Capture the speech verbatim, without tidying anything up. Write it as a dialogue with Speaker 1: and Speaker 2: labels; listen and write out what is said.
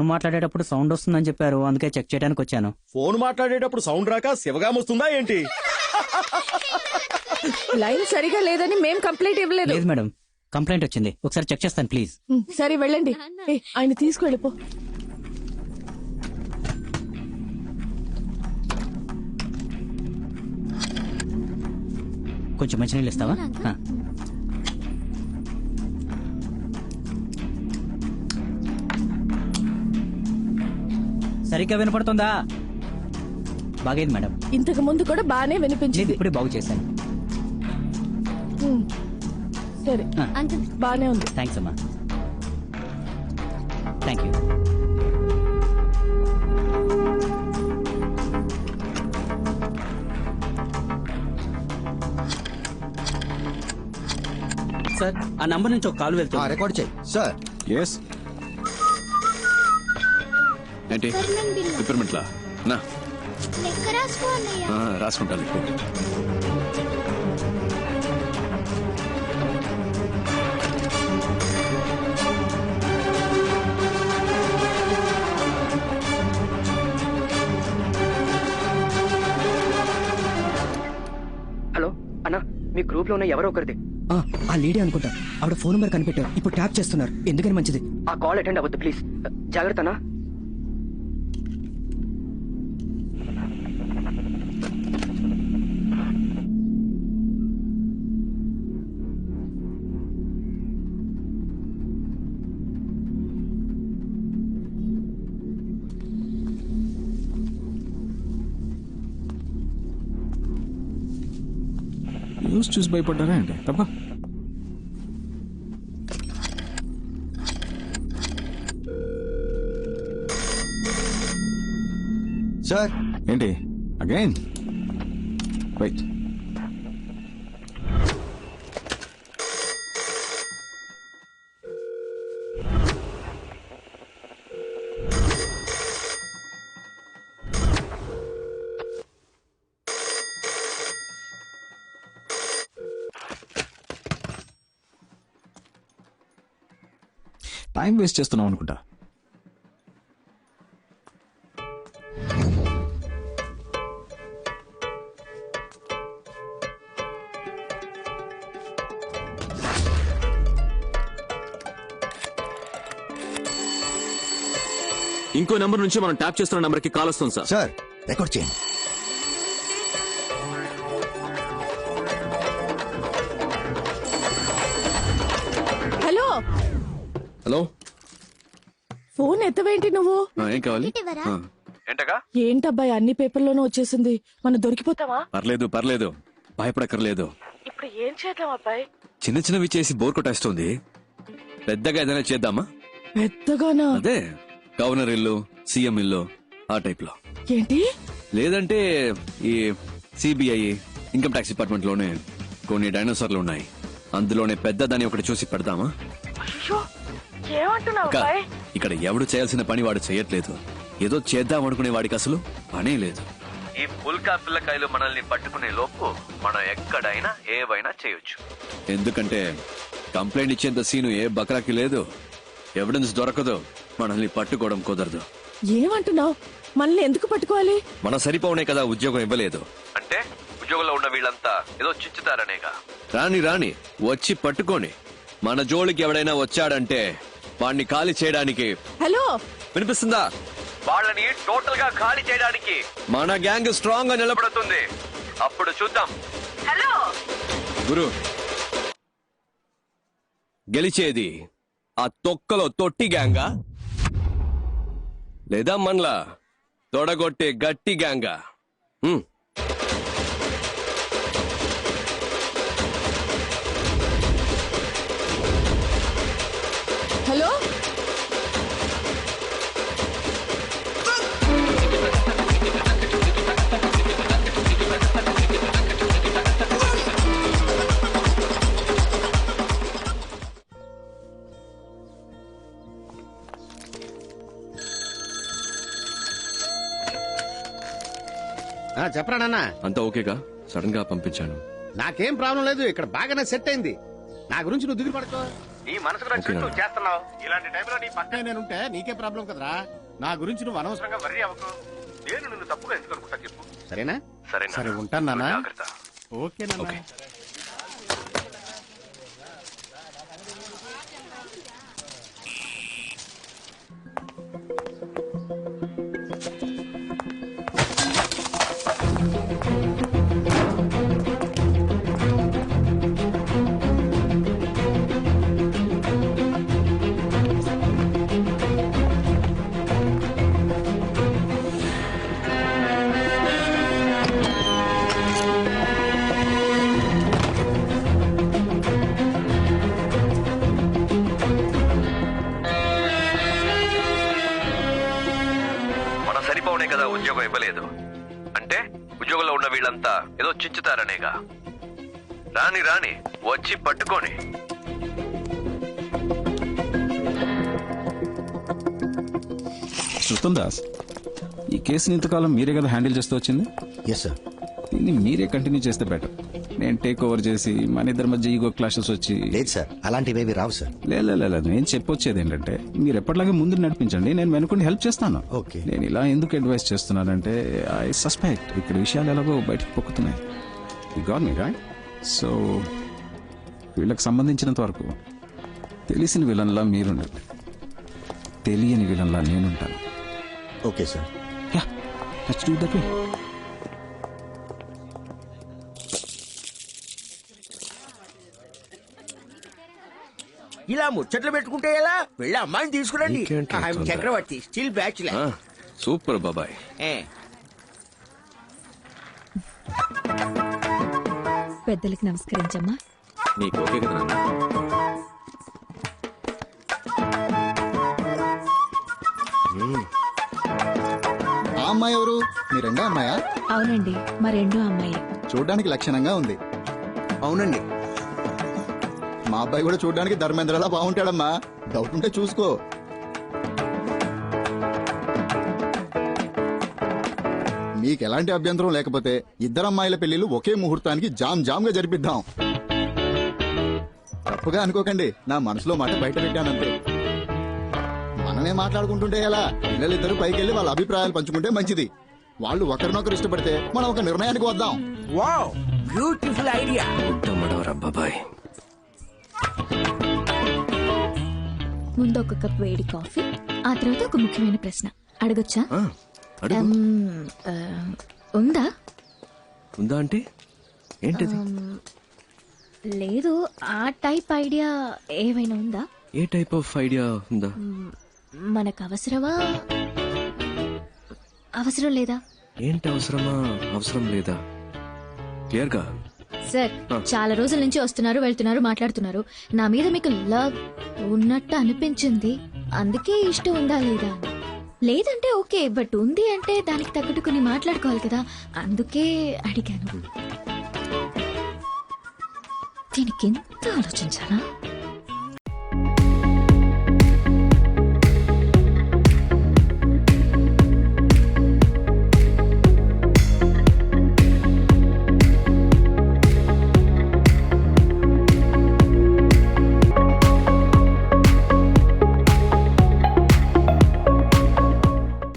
Speaker 1: మాట్లాడేటప్పుడు సౌండ్ వస్తుందని చెప్పారు, అందుకే చెక్ చేయడానికి వచ్చాను.
Speaker 2: ఫోన్ మాట్లాడేటప్పుడు సౌండ్ రాక శివగా వస్తుందా ఏంటి?
Speaker 3: లైన్ సరిగా లేదని మేం కంప్లైంట్ ఇవ్వలేదు.
Speaker 1: లేదు మేడం, కంప్లైంట్ వచ్చింది, ఒకసారి చెక్ చేస్తాను ప్లీజ్.
Speaker 3: ఉమ్, సరే వెళ్ళండి. ఏ, ఆయన తీసుకువెళ్ళిపో.
Speaker 1: కొంచెం మంచినీళ్ళు ఇస్తావా? ఆ. సరిగ్గా వినపడుతుందా? బాగైంది మేడం.
Speaker 3: ఇంతకు ముందు కూడా బానే
Speaker 1: లేదు,
Speaker 3: వినిపించింది.
Speaker 1: ఇప్పుడే బాగు చేశాను.
Speaker 3: ఉమ్, సరే
Speaker 1: ఆ.
Speaker 3: బానే ఉంది.
Speaker 1: థ్యాంక్స్ అమ్మా. Thank you.
Speaker 4: సార్, ఆ నంబర్ నుంచి ఒక కాల్ వెళ్తుంది.
Speaker 5: రికార్డ్ చేయి సార్.
Speaker 6: ఎస్ ఏంటి రిపేర్మెంట్లా నా రాసుకుంటాను.
Speaker 7: హలో అన్నా, మీ గ్రూప్ లో ఉన్న ఎవరో ఒకరిది.
Speaker 8: ఆ లేడీ అనుకుంటా, ఆవిడ ఫోన్ నెంబర్ కనిపెట్టారు, ఇప్పుడు ట్యాప్ చేస్తున్నారు. ఎందుకని మంచిది.
Speaker 7: ఆ కాల్ అటెండ్ అవ్వద్దు ప్లీజ్. జాగ్రత్త అన్నా.
Speaker 6: న్యూస్ చూసి భయపడ్డారా అండి? తప్ప
Speaker 5: సార్.
Speaker 6: ఏంటి అగైన్? వెయిట్. టైం వేస్ట్ చేస్తున్నాం అనుకుంటా.
Speaker 9: ఇంకో నెంబర్ నుంచి మనం ట్యాప్ చేస్తున్న నెంబర్ కి కాల్ వస్తుంది సార్.
Speaker 5: సార్ రికార్డ్ చేయండి.
Speaker 3: హలో
Speaker 9: హలో,
Speaker 3: ఫోన్ ఎత్తవేంటి నువ్వు?
Speaker 9: ఏం కావాలి? ఏంటగా?
Speaker 3: ఏంటబ్బాయి అన్ని పేపర్లోనూ వచ్చేసింది, మనం దొరికిపోతావా?
Speaker 9: పర్లేదు పర్లేదు, భయపడక్కర్లేదు.
Speaker 3: ఇప్పుడు ఏం చేద్దాం అబ్బాయి?
Speaker 9: చిన్న చిన్నవి చేసి బోర్ కొట్టేస్తుంది. పెద్దగా ఏదైనా చేద్దామా?
Speaker 3: పెద్దగానా?
Speaker 9: అదే గవర్నర్ ఇల్లు, సీఎం ఇల్లు, ఆ టైప్ లో.
Speaker 3: ఏంటి?
Speaker 9: లేదంటే ఈ సిబిఐ, ఇన్కమ్ ట్యాక్స్ డిపార్ట్మెంట్ లోనే కొన్ని డైనోసార్లు ఉన్నాయి, అందులోనే పెద్దదాన్ని ఒకటి చూసి పెడదామా? అక్క, ఇక్కడ ఎవడు చేయాల్సిన పని వాడు చేయట్లేదు. ఏదో చేద్దాం అనుకునే వాడికి అసలు పనే లేదు. ఈ పుల్కా పిల్లకాయలు మనల్ని పట్టుకునే లోపు మనం ఎక్కడైనా ఏవైనా చేయొచ్చు. ఎందుకంటే కంప్లైంట్ ఇచ్చేంత సీను ఏ బకరాకి లేదు. ఎవిడెన్స్ దొరకదు, మనల్ని పట్టుకోవడం కుదరదు.
Speaker 3: ఏమంటున్నావు? మనల్ని ఎందుకు పట్టుకోవాలి?
Speaker 9: మన సరిపోనే కదా ఉద్యోగం ఇవ్వలేదు అంటే, ఉద్యోగంలో ఉన్న వీళ్ళంతా ఏదో చిచ్చుతారనేగా. రాని రాని వచ్చి పట్టుకోని. మన జోలికి ఎవడైనా వచ్చాడంటే వాడిని ఖాళీ చేయడానికి.
Speaker 3: హలో,
Speaker 9: వినిపిస్తుందా? వాళ్ళని టోటల్ గా ఖాళీ చేయడానికి మన గ్యాంగ్ స్ట్రాంగ్ గా నిలబడుతుంది. అప్పుడు చూద్దాం.
Speaker 3: హలో
Speaker 9: గురు, గెలిచేది ఆ తొక్కలో తొట్టి గ్యాంగా లేదా మనలా తొడగొట్టే గట్టి గ్యాంగా? హ్మ్.
Speaker 3: హలో,
Speaker 2: చెప్పరా నాన్న?
Speaker 9: అంతా ఓకేగా? సడన్ గా పంపించాను.
Speaker 2: నాకేం ప్రాబ్లం లేదు, ఇక్కడ బాగానే సెట్ అయింది. నా గురించి నువ్వు దిగులు పడుకో. నీ మనసుకు నచ్చినట్టు నువ్వు చేస్తున్నావు. ఇలాంటి టైంలో నీ పక్కనే నేనుంటే నీకే ప్రాబ్లం కదరా. నా గురించి నువ్వు అనవసరంగా వర్రీ అవ్వకు. నేను నిన్ను తప్పుగా ఎందుకు అనుకుంటా చెప్పు. సరేనా?
Speaker 9: సరే
Speaker 2: సరే ఉంటాను నాన్న.
Speaker 9: జాగ్రత్త.
Speaker 2: ఓకే నాన్న.
Speaker 9: మనం సరిపోవనే కదా ఉద్యోగం ఇవ్వలేదు అంటే ఉద్యోగంలో ఉన్న వీళ్ళంతా ఏదో చించుతారనేగా. రాని రాని వచ్చి పట్టుకొని.
Speaker 6: శృతం దాస్, ఈ కేసుని ఇంతకాలం మీరే కదా హ్యాండిల్ చేస్తూ వచ్చింది.
Speaker 5: Yes sir.
Speaker 6: దీన్ని మీరే కంటిన్యూ చేస్తే బెటర్. నేను టేక్ ఓవర్ చేసి మన ఇద్దరి మధ్య ఈగో క్లాషెస్ వచ్చి
Speaker 5: లేదు సార్, అలాంటివేవి రావు సార్.
Speaker 6: లేదు లేదు నేను చెప్పొచ్చేది ఏంటంటే మీరు ఎప్పటిలాగే ముందు నడిపించండి, నేను వెనుకొని హెల్ప్ చేస్తాను.
Speaker 5: ఓకే.
Speaker 6: నేను ఇలా ఎందుకు అడ్వైస్ చేస్తున్నానంటే ఐ సస్పెక్ట్ ఇక్కడ విషయాలు ఎలాగో బయటకు పొక్కుతున్నాయి. ఈ గాట్ మీ రైట్. సో వీళ్ళకి సంబంధించినంత వరకు తెలిసిన విలన్లా మీరుండండి, తెలియని విలన్లా నేనుంటాను.
Speaker 5: Okay sir.
Speaker 6: Ya, let's do that way.
Speaker 10: ఇలా ముచ్చట్లు పెట్టుకుంటే ఎలా? వెళ్ళి అమ్మాయిని తీసుకురండి.
Speaker 9: ఇంకేంటి
Speaker 10: ఆమె
Speaker 9: తొందర?
Speaker 10: Chakravarthi still bachelor.
Speaker 9: ఆ, సూపర్ బాబాయ్.
Speaker 3: పెద్దలకి నమస్కరించమ్మా.
Speaker 9: నీకు ఓకే కదా నాన్న?
Speaker 5: ఆ అమ్మాయి ఎవరు? మీ రెండో అమ్మాయా?
Speaker 3: అవునండి, మా రెండో అమ్మాయి.
Speaker 5: చూడడానికి లక్షణంగా ఉంది.
Speaker 10: అవునండి.
Speaker 5: మా అబ్బాయి కూడా చూడడానికి ధర్మేంద్రలా బాగుంటాడమ్మా. డౌట్ ఉంటే చూసుకో. మీకు ఎలాంటి అభ్యంతరం లేకపోతే ఇద్దరు అమ్మాయిల పెళ్లిళ్ళు ఒకే ముహూర్తానికి జామ్ జామ్ గా జరిపిద్దాం. తప్పుగా అనుకోకండి, నా మనసులో మాట బయట పెట్టానంతే. మనమే మాట్లాడుకుంటుంటే ఎలా? పిల్లలిద్దరూ పైకి వెళ్లి వాళ్ళ అభిప్రాయాలు పంచుకుంటే మంచిది. వాళ్ళు ఒకరినొకరు ఇష్టపడితే మనం ఒక నిర్ణయానికి వద్దాం.
Speaker 10: Wow, beautiful idea.
Speaker 9: ఉత్తమడవరా బాబాయ్.
Speaker 3: ముందు ఒక కప్ వేడి కాఫీ, ఆ తర్వాత ఒక ముఖ్యమైన ప్రశ్న అడగొచ్చా?
Speaker 9: ఆ, అడుగు.
Speaker 3: మ్, ఆ, ఉందా?
Speaker 9: ఉందా అంటే ఏంటిది?
Speaker 3: లేదు, ఆ టైప్ ఐడియా ఏమైనా ఉందా?
Speaker 9: ఏ టైప్ ఆఫ్ ఐడియా ఉందా?
Speaker 3: మ్, మనకు అవసరమా, అవసరం లేదా?
Speaker 9: ఏంటి అవసరమా అవసరం లేదా? క్లియర్ గా.
Speaker 3: సార్, చాలా రోజుల నుంచి వస్తున్నారు వెళ్తున్నారు మాట్లాడుతున్నారు. నా మీద మీకు లవ్ ఉన్నట్టు అనిపించింది, అందుకే ఇష్టం ఉందా లేదా అని. లేదంటే ఓకే, బట్ ఉంది అంటే దానికి తగ్గట్టు కొన్ని మాట్లాడుకోవాలి కదా, అందుకే అడిగాను. దీనికి ఎంత ఆలోచించాలా?